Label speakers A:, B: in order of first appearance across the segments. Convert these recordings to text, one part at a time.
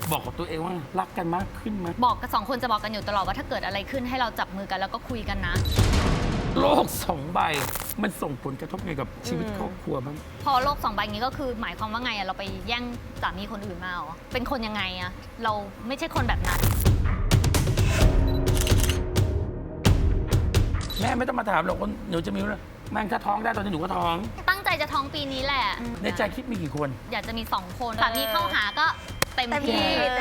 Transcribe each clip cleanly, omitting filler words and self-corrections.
A: บอกกับตัวเองว่ารักกันมากขึ้นไหม
B: บอกกับ2 คนจะบอกกันอยู่ตลอดว่าถ้าเกิดอะไรขึ้นให้เราจับมือกันแล้วก็คุยกันนะ
A: โลก2 ใบมันส่งผลกระทบไงกับชีวิตครอบครัวบ้าง
B: พอโลก2 ใบนี้ก็คือหมายความว่าไงอะเราไปแย่งสามีคนอื่นมาเหรอเป็นคนยังไงอะเราไม่ใช่คนแบบนั้น
A: แม่ไม่ต้องมาถามหรอกว่าหนูจะมีลูกแม่งถ้าท้องได้ตอนนี้หนูก็ท้อง
B: ตั้งใจจะท้องปีนี้แหละ
A: ในใจคิดมีกี่คน
B: อยากจะมี2 คนสามีเข้าหาก็เต็มที่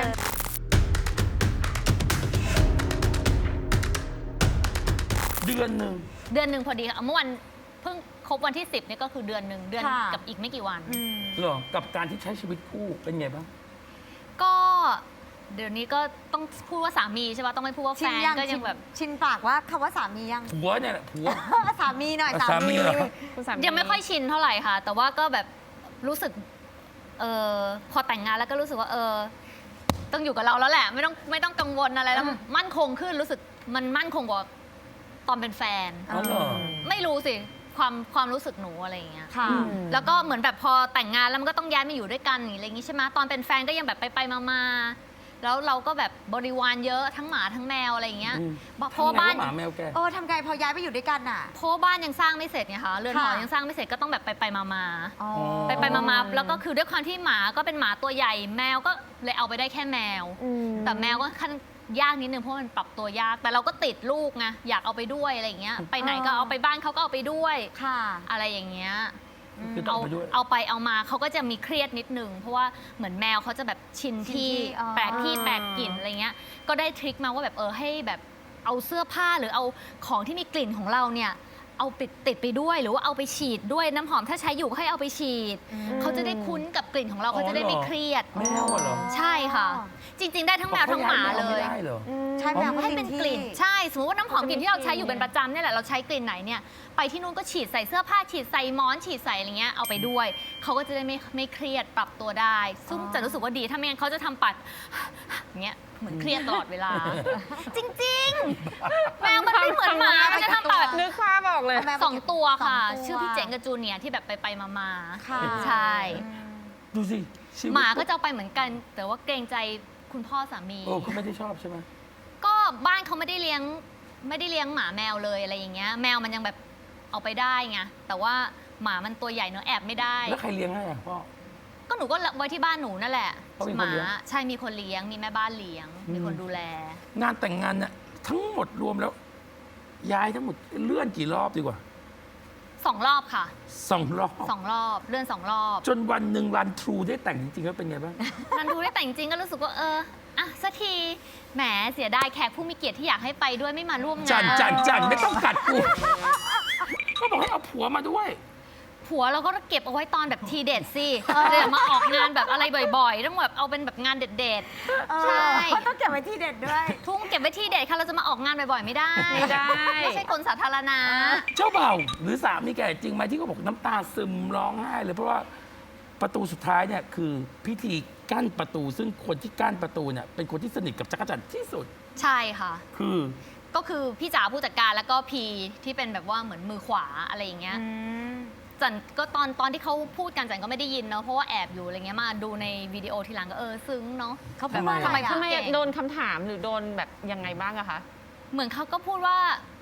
A: เดือนหนึ่ง
B: เดือนหนึ่งพอดีค่ะเมื่อวันเพิ่งครบวันที่ 10เนี่ยก็คือเดือนหนึ่งเดือน
C: ค่ะ
B: กับอีกไม่กี่วัน
A: เหรอกับการที่ใช้ชีวิตคู่เป็นไงบ้าง
B: ก็เดี๋ยวนี้ก็ต้องพูดว่าสามีใช่ป่ะต้องไม่พูดว่าแฟ
C: ชิน
B: น
C: ยัง
B: ก็ยังแบบ
C: ชินปากว่าคำว่าสามียัง
A: ผัวเนี่ยแหละผัว
C: สามีหน่อย
A: สามีเหรอ
B: ยังไม่ค่อยชินเท่าไหร่ค่ะ แต่ว่าก็แบบรู้สึกพอแต่งงานแล้วก็รู้สึกว่าต้องอยู่กับเราแล้วแหละ ไม่ต้องกังวลอะไรแล้วมั่นคงขึ้นรู้สึกมันมั่นคงกว่าตอนเป็นแฟน
A: อ๋อเหรอ
B: ไม่รู้สิความรู้สึกหนูอะไรอย่างเงี้ย
C: ค่ะ
B: แล้วก็เหมือนแบบพอแต่งงานแล้วมันก็ต้องย้ายมาอยู่ด้วยกันอะไรอย่างงี้ใช่ไหมตอนเป็นแฟนก็ยังแบบไปมาแล้วเราก็แบบบริวารเยอะทั้งหมาทั้งแมวอะไรอย่างเงี้ย
A: อืม
B: เพราะว่าบ้าน
A: ทำไงวะหมาแมวแก
C: ทำไงพอย้ายไปอยู่ด้วยกันน่ะ
B: เพราะว่าบ้านยังสร้างไม่เสร็จไงคะเรือนหอ
C: ค่ะ
B: ยังสร้างไม่เสร็จก็ต้องแบบไปมา
C: อ๋อ
B: ไปมาแล้วก็คือด้วยความที่หมาก็เป็นหมาตัวใหญ่แมวก็เลยเอาไปได้แค่แมว แต่แมวก็ขั้นยากนิดนึงเพราะมันปรับตัวยาก แต่เราก็ติดลูกไงอยากเอาไปด้วยอะไรอย่างเงี้ยไปไหนก็เอาไปบ้านเขาก็เอาไปด้วย
C: ค่ะ
B: อะไรอย่างเงี้ย
A: คือต้อง
B: เอา
A: ไปด้วย
B: เอาไปเอามาเขาก็จะมีเครียดนิดนึงเพราะว่าเหมือนแมวเขาจะแบบชินที่
C: อ๋อ
B: แปลกที่แปลกกลิ่นอะไรเงี้ยก็ได้ทริคมาว่าแบบให้แบบเอาเสื้อผ้าหรือเอาของที่มีกลิ่นของเราเนี่ยเอาติดไปด้วยหรือว่าเอาไปฉีดด้วยน้ำหอมถ้าใช้อยู่ก็ให้เอาไปฉีด เขาจะได้คุ้นกับกลิ่นของเรา
A: อ๋อ
B: เขาจะได้ไม่
A: เหรอ
B: เครียด
A: แมวอะเหรอ
B: ใช่ค่ะ จริง ๆ ได้ทั้งแมวทั้งหมาเลย
A: ไม่ได้เหรอ
C: ใช่แมว
B: ให้เป็นกลิ่นใช่สมมติว่าน้ำหอมกลิ่นที่เราใช้อยู่เป็นประจำเนี่ยแหละเราใช้กลิ่นไหนเนี่ยไปที่นู่นก็ฉีดใส่เสื้อผ้าฉีดใส่หมอนฉีดใส่อะไรเงี้ยเอาไปด้วยเขาก็จะได้ไม่เครียดปรับตัวได้ ซึ่งจะรู้สึกว่าดีถ้าไม่งั้นเขาจะทำปัดเงี้ยเหมือนเครียดตลอดเวลา จริงๆ แมวมันไม่เหมือนหมามันจะทำปัด
D: นึกภาพออกเลย
C: แมว
B: 2 ตัวค่ะ
C: สองตัว
B: ชื่อพี่เจ๋งกับจูเนียร์ที่แบบไปมา
C: ค่ะ
B: ใช่
A: ดูสิชีวิต
B: หมาก็จะเอาไปเหมือนกัน แต่ว่าเกรงใจคุณพ่อสามี
A: เขาไม่ได้ชอบใช่ไหม
B: ก็บ้านเขาไม่ได้เลี้ยงหมาแมวเลยอะไรอย่างเงี้ยแมวมันยังแบบเอาไปได้ไงแต่ว่าหมามันตัวใหญ่เนอะแอบไม่ได้
A: แล้วใครเลี้ยงให้อ่ะพ่อ
B: ก็หนูก็ไว้ที่บ้านหนูนั่นแหละ
A: เขามี
B: ห
A: คน
B: มา
A: เลี้ยง
B: ใช่มีคนเลี้ยงมีแม่บ้านเลี้ยง มีคนดูแล
A: งานแต่งงานเนี่ยทั้งหมดรวมแล้ว ย้ายทั้งหมดเลื่อนกี่รอบดีกว่า
B: 2 รอบค่ะ
A: 2 รอบ
B: 2 รอบเลื่อน2 รอบ
A: จนวันหนึ่งรันทรูได้แต่งจริงๆแล้วเป็นไงบ้าง
B: มันดูได้แต่จริงๆก็รู้สึกว่าอ่ะสักทีแหมเสียดายแขกผู้มีเกียรติที่อยากให้ไปด้วยไม่มาร่วมงาน
A: จันไม่ต้องกัดกูก็บอกให้เอาผัวมาด้วย
B: ผัวเราก็เก็บเอาไว้ตอนแบบทีเด็ดสิเดี๋ยวมาออกงานแบบอะไรบ่อยๆต้องแบบเอาเป็นแบบงานเด็ดๆใช่
C: ต้องเก็บไว้ที่เด็ดด้วย
B: ทุ่งเก็บไว้ที่เด็ดค่ะเราจะมาออกงานบ่อยๆไม่ได้
D: ไม่ได้
B: ไม่ใช่คนสาธารณะ
A: เจ้าบ่าวหรือสามีแกจริงไหมที่เขาบอกน้ำตาซึมร้องไห้เลยเพราะว่าประตูสุดท้ายเนี่ยคือพิธีกั้นประตู ซึ่งคนที่กั้นประตูเนี่ยเป็นคนที่สนิทกับจักรจันทร์ที่สุด
B: ใช่ค่ะ
A: คือ
B: ก็คือพี่จ๋าผู้จัดการแล้วก็พีที่เป็นแบบว่าเหมือนมือขวาอะไรอย่างเงี้ยจันก็ตอนที่เขาพูดกันจันก็ไม่ได้ยินเนาะเพราะว่าแอบอยู่อะไรเงี้ยมาดูในวิดีโอทีหลังก็ซึ้งเนาะเขาพูดว่า
A: ทำไม
B: ทำไม
D: ทำไม
B: เก่ง
D: โดนคำถามหรือโดนแบบยังไงบ้างอะคะ
B: เหมือนเขาก็พูดว่า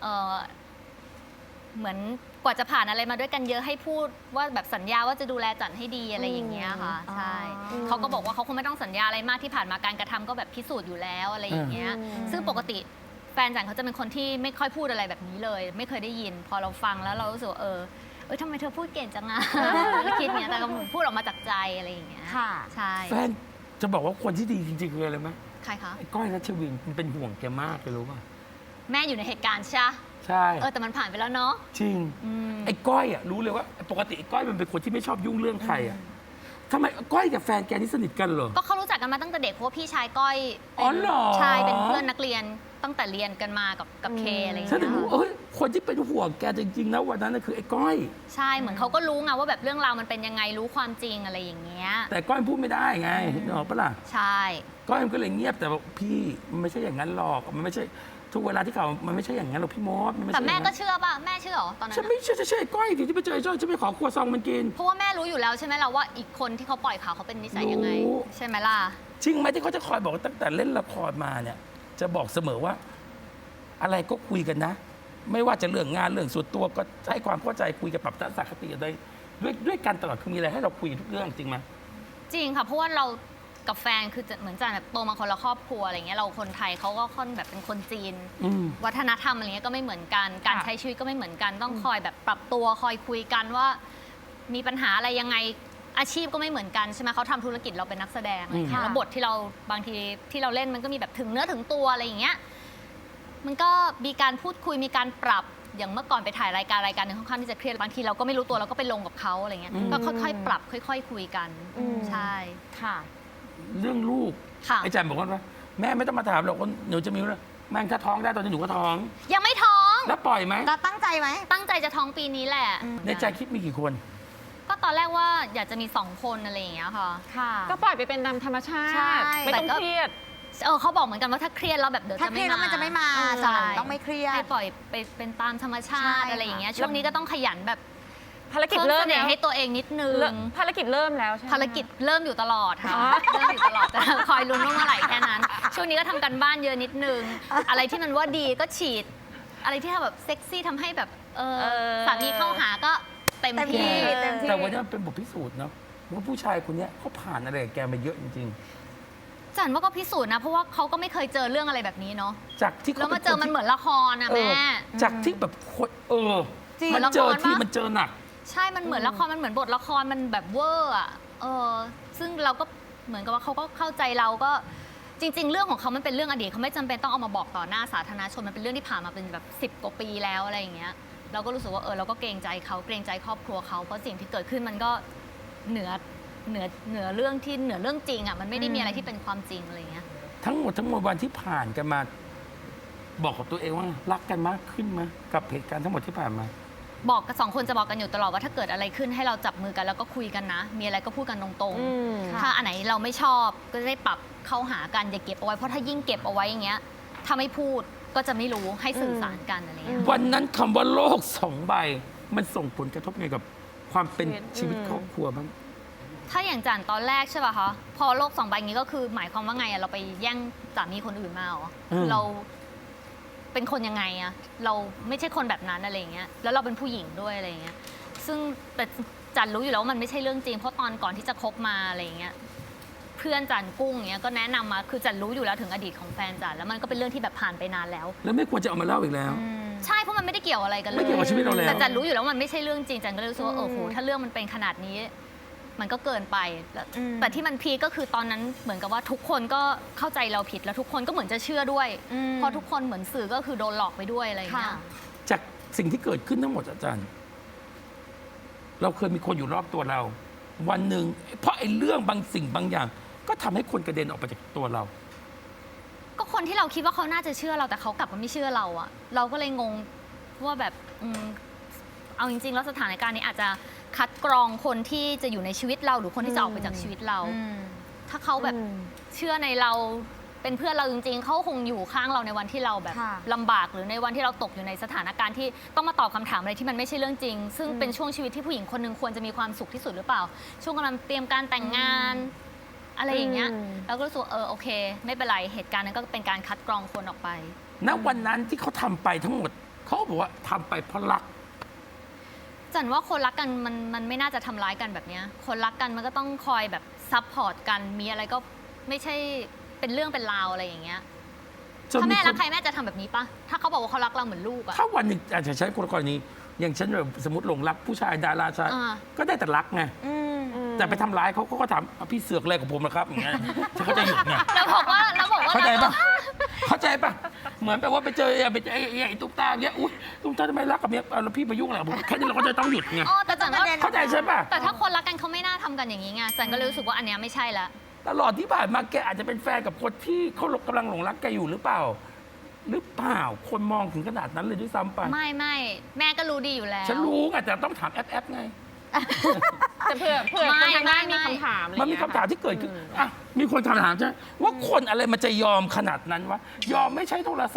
B: เหมือนกว่าจะผ่านอะไรมาด้วยกันเยอะให้พูดว่าแบบสัญญาว่าจะดูแลจันให้ดีอะไรอย่างเงี้ยค่ะใช่เขาก็บอกว่าเขาคงไม่ต้องสัญญาอะไรมากที่ผ่านมาการกระทำก็แบบพิสูจน์อยู่แล้วอะไรอย่างเงี้ยซึ่งปกติแฟนจันเขาจะเป็นคนที่ไม่ค่อยพูดอะไรแบบนี้เลย ไม่เคยได้ยิน พอเราฟังแล้วเรารู้สึกว่าทำไมเธอพูดเก่งจังอะ แล้วคิดเงี้ยแต่ก็เหมือนพูดออกมาจากใจอะไรอย่างเงี้ย
C: ค่ะ
B: ใช่
A: แฟนจะบอกว่าคนที่ดีจริงๆคืออะไรไหม
B: ใครคะ
A: ไอ้ก้อยรัชวินมันเป็นห่วงแกมากเลยรู้ป่ะ
B: แม่อยู่ในเหตุการณ์ใช่
A: ใช่
B: แต่มันผ่านไปแล้วเนาะ
A: จริง
B: อืม
A: ไอ้ก้อยอ่ะรู้เลยว่าปกติไอ้ก้อยมันเป็นคนที่ไม่ชอบยุ่งเรื่องใครอ่ะทำไมก้อยกับแฟนแกนี่สนิทกันเหรอ
B: ก็เขารู้จักกันมาตั้งแต่เด็กเพราะว่าพี่ชายก้อย
A: อ๋อเหรอ
B: ใช่เป็นเพื่อนนักเรียนตั้งแต่เรียนกันมากับเคอะไรอย่าง
A: ฉัน
B: เงี้
A: ถึงรู้
B: ย
A: คนที่เป็นห่วงแกจริงๆนะวันนั้นน่ะคือไอ้ก้อย
B: ใช่เหมือนเขาก็รู้ไงว่าแบบเรื่องราวมันเป็นยังไงรู้ความจริงอะไรอย่างเงี้ย
A: แต่ก้อยพูดไม่ได้ไงนึกออกปะล่ะ
B: ใช่
A: ก้อยมันก็เลยเงียบแต่บอกพี่มันไม่ใช่อย่างนั้นหรอกมันไม่ใช่ทุกเวลาที่เขามันไม่ใช่อย่างนั้นหรอกพี่มดมันไม่
B: แต่
A: ใช่
B: แม่
A: อย่าง
B: ก็
A: นั้น
B: เชื่อป่ะแม่เชื่อเหรอตอนนั้น
A: ฉัน
B: อะ
A: ไม่เชื่อจะเชื่อไอ้ก้อยที่ไปเจอไอ้จ้อยฉันไปขอครัวซองมันกิน
B: เพราะว่าแม่รู้อยู่แล้วใช่ไหมล่ะว่าอีกคนที่เขาปล่อยข่าวเขาเป็นนิสัยยังไง
A: รู้
B: ใช่ไหมล่ะ
A: จริงไหมที่เขาจะคอยบอกว่าตั้งแต่เล่นละครมาเนี่ย จะบอกเสมอว่า อะไรก็คุยกันนะ ไม่ว่าจะเรื่องงานเรื่องส่วนตัวก็ให้ความเข้าใจคุยกับปรับทัศนคติกันด้วยกันตลอดคือมีอะไรให้เราคุยทุกเรื่องจริงไหม
B: จริงค่ะเพราะว่าเรากับแฟนคือจะเหมือนจะแบบโตมาคนละครอบครัวอะไรเงี้ยเราคนไทยเขาก็ค่อนแบบเป็นคนจีน
A: อืม
B: วัฒนธรรมอะไรเงี้ยก็ไม่เหมือนกันการใช้ชีวิตก็ไม่เหมือนกันต้องคอยแบบปรับตัวคอยคุยกันว่า มีปัญหาอะไรยังไงอาชีพก็ไม่เหมือนกันใช่ไหมเขาทำธุรกิจเราเป็นนักแสดงอะไรเงี้ย
C: ค่ะ
B: แล้วบทที่เราบางทีที่เราเล่นมันก็มีแบบถึงเนื้อถึงตัวอะไรอย่างเงี้ยมันก็มีการพูดคุยมีการปรับอย่างเมื่อก่อนไปถ่ายรายการหนึ่งค่อนข้างที่จะเครียดบางทีเราก็ไม่รู้ตัวเราก็ไปลงกับเขาอะไรเงี้ย
A: อืม
B: ก็ค่อยๆ ปรับค่อย ๆ คุยกัน
D: อืม
B: ใช่
D: ค่ะ
A: เรื่องลูก
B: ค่ะ
A: ไอ้แจมบอกว่าแม่ไม่ต้องมาถามหรอกว่าหนูจะมีแล้วแม่งถ้าท้องได้ตอนนี้หนูก็ท้อง
B: ยังไม่ท้อง
A: แล้วปล่อยไหม
C: เราตั้งใจไหม
B: ตั้งใจจะท้องปีนี้แหละ
A: ในใจคิดมีกี่คน
B: ก็ตอนแรกว่าอยากจะมี2 คนอะไรอย่างเงี้ยค่ะ
C: ค่ะ
D: ก็ปล่อยไปเป็นตามธรรมชา
C: ใช่
D: ติ ไม่ต้อง
B: แต่ก็
D: เครียด
B: เขาบอกเหมือนกันว่าถ้าเครียดแล้วแบบเดี๋ยว
C: ถ้า
B: จะ
C: เครี
B: ไม่
C: ยดแล้วมันจะไม่มา
B: ใช่
C: ต้องไม่เครียด
B: ให้ปล่อยไปเป็นตามธรรมชา
C: ใช่
B: ติอะไรอย่างเงี้ย
C: ค่ะ
B: ช่วงนี้ก็ต้องขยันแบบ
D: ภารกิจ
B: เพิ่ม
D: เริ่
B: เส
D: ม
B: น่
D: แล้ว
B: ห์ให้ตัวเองนิดนึง
D: ภารกิจเริ่มแล้วใช่ไหม
B: ภารกิจเริ่มอยู่ตลอดค่ะ
D: อ๋อ
B: เริ่มอยู่ตลอดแต่คอยลุ้นว่าเมื่อไหร่แค่นั้น ช่วงนี้ก็ทำกันบ้านเยอะนิดนึง อะไรที่มันว่าดีก็ฉีด อะไรที่ทำแบบเซ็กซี่ทำให้แบบสามีเข้าหาก็เต็ม
C: เต็มที่
B: ที่
C: เต็มที่
A: แต่วันนี้มันเป็นบทพิสูจน์เนาะว่าผู้ชายคนเนี้ยเขาผ่านอะไรกับแกมาเยอะจริง
B: จันว่าก็พิสูจน์นะเพราะว่าเขาก็ไม่เคยเจอเรื่องอะไรแบบนี้เนาะ
A: ๆ จากที่
B: แล้ว
A: เขา
B: มาเจอมันเหมือนละครนะ
A: เอ
B: แม่
A: อจากที่แบบคน
C: จริง
A: มันเจอ
B: ละคร
A: ที่
B: ปะ
A: มันเจอหนัก
B: ใช่ มันเหมือนละคร มันเหมือนบทละคร มันแบบเวอร์อ่ะ ซึ่งเราก็เหมือนกับว่าเขาก็เข้าใจเราก็จริง ๆ เรื่องของเขามันเป็นเรื่องอดีตเขาไม่จำเป็นต้องเอามาบอกต่อหน้าสาธารณชน มันเป็นเรื่องที่ผ่านมาเป็นแบบ10 กว่าปีแล้วอะไรอย่างเงี้ย เราก็รู้สึกว่าเราก็เกรงใจเขาเกรงใจครอบครัวเขา เพราะสิ่งที่เกิดขึ้นมันก็เหนือเรื่องที่เหนือเรื่องจริงอ่ะ มันไม่ได้มีอะไรที่เป็นความจริงอะไรอย่างเงี้ย
A: ทั้งหมดวันที่ผ่านกันมา บอกกับตัวเองว่ารักกันมากขึ้นไหมกับเหตุการณ์ทั้งหมดที่ผ่านมา
B: บอกกับ2 คนจะบอกกันอยู่ตลอดว่าถ้าเกิดอะไรขึ้นให้เราจับมือกันแล้วก็คุยกันนะ มีอะไรก็พูดกันตรง
D: อืม
B: ๆ ถ้าอันไหนเราไม่ชอบก็จะได้ปรับเข้าหากันอย่าเก็บเอาไว้เพราะถ้ายิ่งเก็บเอาไว้อย่างเงี้ยถ้าไม่พูดก็จะไม่รู้ให้สื่อสารกันอะไรอย่างเงี้ย
A: วันนั้นคำว่าโลก2 ใบ มันส่งผลกระทบไงกับความเป็นชีวิตครอบครัวบ้าง
B: ถ้าอย่างจันตอนแรกใช่ป่ะคะพอโลก2 ใบนี้ก็คือหมายความว่าไงอะเราไปแย่งสามีคนอื่นมาเหรอ
A: อืม
B: เราเป็นคนยังไงอะเราไม่ใช่คนแบบนั้นอะไรอย่างเงี้ยแล้วเราเป็นผู้หญิงด้วยอะไรอย่างเงี้ยซึ่งแต่จันรู้อยู่แล้วว่ามันไม่ใช่เรื่องจริงเพราะตอนก่อนที่จะคบมาอะไรอย่างเงี้ยเพื่อนจันกุ้งเงี้ยก็แนะนำมาคือจันรู้อยู่แล้วถึงอดีตของแฟนจันแล้วมันก็เป็นเรื่องที่แบบผ่านไปนานแล้ว
A: แล้วไม่ควรจะเอามาเล่าอีกแล้ว
B: ใช่เพราะมันไม่ได้เกี่ยวอะไรกันเลย
A: ไม่เกี่ยวกับชีวิตเราแล้ว
B: แต่จันรู้อยู่แล้วว่ามันไม่ใช่เรื่องจริงจันก็เลยรู้สึกว่าโหถ้าเรื่องมันเป็นขนาดนี้ มันก็เกินไปแล้วแต่ที่มันพีคก็คือตอนนั้นเหมือนกับว่าทุกคนก็เข้าใจเราผิดแล้วทุกคนก็เหมือนจะเชื่อด้วยเพราะทุกคนเหมือนสื่อก็คือโดนหลอกไปด้วยอะไรอย่างเงี้ย
A: จากสิ่งที่เกิดขึ้นทั้งหมดอาจารย์ เราเคยมีคนอยู่รอบตัวเรา วันหนึ่งเพราะไอ้เรื่องบางสิ่งบางอย่าง ก็ทำให้คนกระเด็นออกไปจากตัวเรา
B: ก็คนที่เราคิดว่าเขาน่าจะเชื่อเราแต่เขากลับมาไม่เชื่อเราอะเราก็เลยงงว่าแบบเอาจริงๆแล้วสถานการณ์นี้อาจจะคัดกรองคนที่จะอยู่ในชีวิตเราหรือคนที่จะออกไปจากชีวิตเรา ถ้าเขาแบบเชื่อในเราเป็นเพื่อนเราจริงๆเขาคงอยู่ข้างเราในวันที่เราแบบ
C: ค่ะ
B: ลำบากหรือในวันที่เราตกอยู่ในสถานการณ์ที่ต้องมาตอบคำถามอะไรที่มันไม่ใช่เรื่องจริง ซึ่งเป็นช่วงชีวิตที่ผู้หญิงคนหนึ่งควรจะมีความสุขที่สุดหรือเปล่า ช่วงกำลังเตรียมการแต่งงาน อะไรอย่างเงี้ยเราก็รู้สึกว่าโอเค ไม่เป็นไรเหตุการณ์นั้นก็เป็นการคัดกรองคนออกไป
A: ณ วันนั้นที่เขาทำไปทั้งหมด เขาก็บอกว่าทำไปเพราะรัก
B: จันว่าคนรักกันมันไม่น่าจะทำร้ายกันแบบเนี้ยคนรักกันมันก็ต้องคอยแบบซัพพอร์ตกันมีอะไรก็ไม่ใช่เป็นเรื่องเป็นราวอะไรอย่างเงี้ย
A: จน
B: ถ้า
A: มี
B: แม่
A: ค
B: รัก
A: น
B: ใครแม่จะทำแบบนี้ปะถ้าเขาบอกว่าเขารักเราเหมือนลูกอะ
A: ถ้าวันหนึ่งอาจจะใช้กรณีอย่างฉันแบบสมมติหลงรักผู้ชายดาราชาย
B: อ่า
A: ก็ได้แต่รักไงแต่ไปทำร้ายเขาก็ถามพี่เสือกอะไรกับผมนะครับอย่างเงี้ยฉันก็จะหยุดไง
B: เราบอกว่า
A: เข้าใจปะเข้าใจปะเหมือนแบบว่าไปเจอไอ้ตุ๊กตาอย่างเงี้ยอุ้ยตุ๊กตาทำไมรักกับเมียเอาแล้วพี่มายุ่งอะไรกับผมแค่นี้เราก็จะต้องหยุดไง
B: อ๋อแต่จันว่า
A: เข้าใจใช่ปะ
B: แต่ถ้าคนรักกันเขาไม่น่าทำกันอย่างนี้ไงจันก็เลยรู้สึกว่าอันเนี้ยไม่ใช่ละ
A: ตลอดที่ผ่านมาแกอาจจะเป็นแฟนกับคนที่เขากำลังหลงรักแกอยู่หรือเปล่า หรือเปล่าคนมองถึงขนาดนั้นเลยด้วยซ้ำไป
B: ไม่แม่ก็รู้ดีอยู่แล้ว
A: ฉันรู้ไงแต่ต้องถามแอปไง
D: แต่เผื่อคนทางบ้านมีคำถามอะไร
A: มันมี
D: เงี้ย
A: คำถามที่เกิดขึ้นอ่ะมีคนถามใช่ไหมว่าคนอะไรมันจะยอมขนาดนั้นวะยอมไม่ใช้โทรศัพท์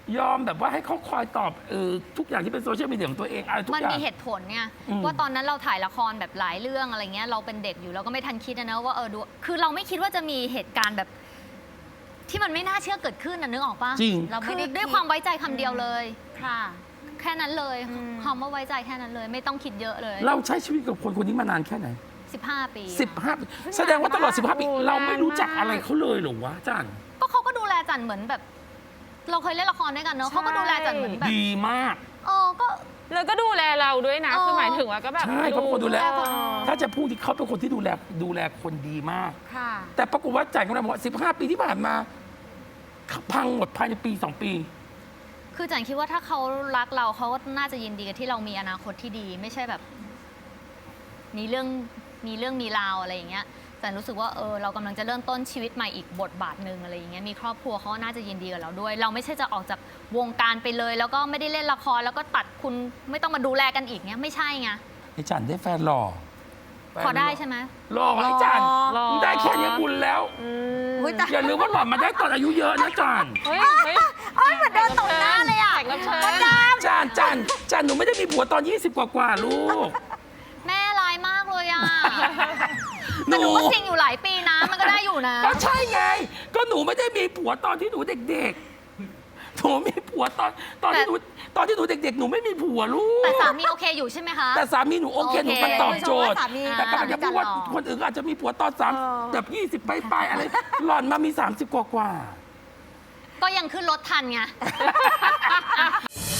A: ยอมแบบว่าให้เขาคอยตอบทุกอย่างที่เป็นโซเชียลมีเดียของตัวเองอะไรทุก
B: มัน
A: อย่าง
B: มีเหตุผลไง
A: อืม
B: ว่าตอนนั้นเราถ่ายละครแบบหลายเรื่องอะไรเงี้ยเราเป็นเด็กอยู่เราก็ไม่ทันคิดนะว่าดูคือเราไม่คิดว่าจะมีเหตุการณ์แบบ ที่มันไม่น่าเชื่อเกิดขึ้นนะนึกออกปะ
A: จริง
C: เรา
B: คื
C: ไม่
B: อ
C: ได้
B: ด้วยความไว้ใจคำเดียวเลย
C: ค่ะ
B: แค่นั้นเลย
C: อืม
B: คำว่าไว้ใจแค่นั้นเลย ไม่ต้องคิดเยอะเลย
A: เราใช้ชีวิตกับคนคนนี้มานานแค่ไหน
B: 15 ปี
A: 15 ปีแสดงว่าตลอด 15 ปี เราไม่รู้จักอะไรเขาเลยเหรอวะจัน
B: ก็เขาก็ดูแลจันเหมือนแบบ เราเคยเล่นละครด้วยกันเนอะเขาก็ดูแลจันเหมือนแบบ
A: ดีมาก
B: ก็
D: แล้วก็ดูแลเราด้วยนะ คือหมายถึงว่าก็แบบ
A: ใช่เขาเป็นคนดูแล
D: เออ
A: ถ้าจะพูดที่เขาเป็นคนที่ดูแลคนดีมาก
C: ค่ะ
A: แต่ปรากฏว่าจันเขาบอกว่า15 ปีที่ผ่านมาพังหมดภายในปี 2 ปี
B: คือจันคิดว่าถ้าเขารักเราเขาก็น่าจะยินดีกับที่เรามีอนาคตที่ดี ไม่ใช่แบบ มีเรื่องมีราวอะไรอย่างเงี้ยแต่รู้สึกว่าเรากำลังจะเริ่มต้นชีวิตใหม่อีกบทบาทหนึ่งอะไรอย่างเงี้ยมีครอบครัวเขาก็น่าจะยินดีกับเราด้วย เราไม่ใช่จะออกจากวงการไปเลย แล้วก็ไม่ได้เล่นละครแล้วก็ตัดคุณไม่ต้องมาดูแลกันอีกเงี้ยไม่ใช่ไง
A: ไอ้จันได้แฟนหล่อ
B: พอได้ใช่ไหม
A: หล่อไอ้จัน
D: หล่อ
A: มึงได้แค่นี้บุญแล้ว
C: อุ๊ยแต่
A: อย่าลืมว่าหล่อนมาได้ตอนอายุเยอะนะจัน
D: เฮ้ยเฮ้ย
C: โอ๊ยเหมือนโดนตบหน้าเลยอ่ะ
D: แขกรับเชิญ
A: จันหนูไม่ได้มีผัวตอน 20 กว่าลูก
B: แม่ร้ายมากเลยอ่ะ แต่หนูก็จริงอยู่หลายปีนะมันก็ได้อยู่นะ
A: ก็ใช่ไง ก็หนูไม่ได้มีผัวตอนที่หนูเด็กๆหนูมีผัวตอนที่หนูเด็กๆ หนูไม่มีผัวลูก
B: แต่สามีโอเคอยู่ใช่ไหมคะ
A: แต่สามีหนูโอเค
B: โอเค
A: หนูมันตอบโจทย์
C: สามี
A: แต่กำลังจะพูดว่า
C: สามี
A: คนอื่นอาจจะมีผัวตอน3แบบ20ปลายๆอะไร หล่อนมามี30 กว่า
B: ก็ยังขึ้นรถทันไง